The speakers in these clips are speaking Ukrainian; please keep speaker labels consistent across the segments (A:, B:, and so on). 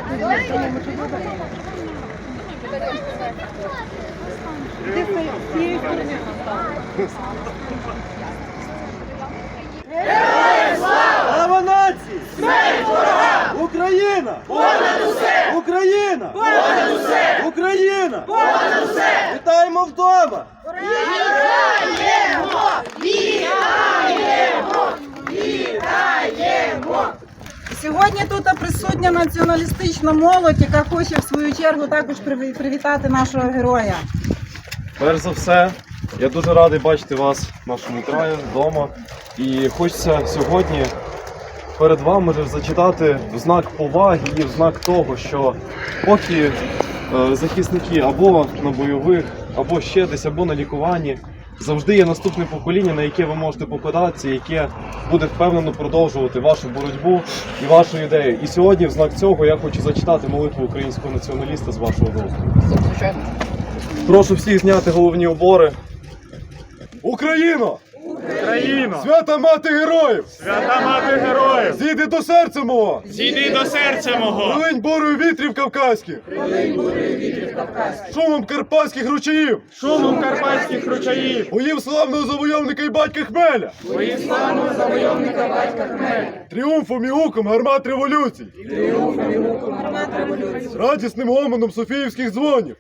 A: Слава нації!
B: Смерть ворогам!
A: Україна!
B: Понад усе!
A: Україна!
B: Понад усе!
A: Україна!
B: Понад усе!
A: Вітаємо вдома!
B: Вітаємо! Вітаємо! Вітаємо!
C: Сьогодні тут присутня націоналістична молодь, яка хоче в свою чергу також привітати нашого героя.
D: Перш за все, я дуже радий бачити вас в нашому краї, вдома. І хочеться сьогодні перед вами ж зачитати в знак поваги і в знак того, що поки захисники або на бойових, або ще десь, або на лікуванні, завжди є наступне покоління, на яке ви можете покладатися, яке буде впевнено продовжувати вашу боротьбу і вашу ідею. І сьогодні в знак цього я хочу зачитати молитву українського націоналіста з вашого дозволу. Прошу всіх зняти головні убори. Україно!
E: Україно!
D: Свята мати героїв!
E: Свята мати героїв!
D: Зійди до серця мого!
E: Зійди до серця мого!
D: Прилинь бурою вітрів кавказьких! Шумом карпатських ручаїв!
E: Шумом карпатських ручаїв!
D: Боїв славного завойовника і батька Хмеля!
E: Твої славного завойовника батька Хмеля!
D: Тріумфом і гуком гармат революцій! Радісним гомоном софіївських дзвонів!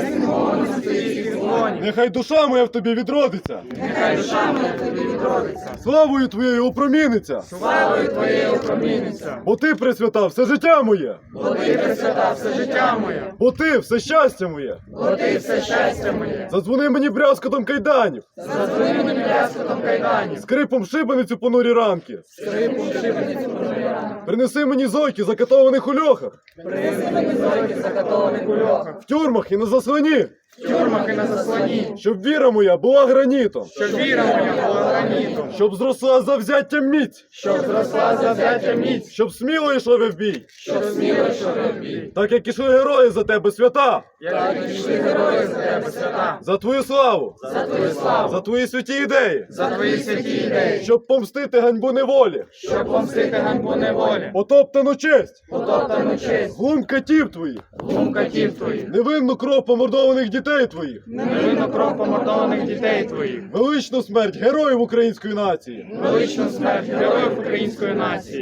D: Нехай душа моя в тобі відродиться!
E: Нехай душа моя в тобі відродиться!
D: Славою твоєю опроміниться!
E: Славою твоєю опроміниться!
D: Бо ти, Пресвята, все життя моє!
E: Бо ти, Пресвята, все життя моє!
D: Бо ти, все щастя моє!
E: Бо ти, все щастя моє!
D: Задзвони мені брязкотом кайданів!
E: Задзвони мені брязкотом кайданів!
D: Скрипом шибеницю понурі ранки!
E: Скрипом шибеницю понурі ранки!
D: Принеси мені зойки, закатованих у льохах!
E: Принеси мені зойки, закатованих у льохах!
D: В тюрмах і на заслоні!
E: В тюрмах і на заслоні!
D: Щоб віра моя була гранітом!
E: Щоб віра моя була гранітом!
D: Щоб зросла завзяттям міць!
E: Щоб зросла завзяття міць!
D: Щоб сміло йшли ви в бій!
E: Щоб сміло йшли в бій!
D: Так як ішли герої за тебе, свята!
E: Як пішли герої за тебе, свята!
D: За твою славу!
E: За твою славу!
D: За твої святі ідеї!
E: За твої святі ідеї!
D: Щоб помстити ганьбу неволі!
E: Щоб помстити ганьбу неволі!
D: Потоптану честь!
E: Потоптану честь!
D: Глум катів твоїх!
E: Глум катів твоїх!
D: Невинну кров помордованих дітей твоїх!
E: Невинну кров помордованих дітей твоїх!
D: Величну смерть героїв української нації!
E: Величну смерть героїв української нації!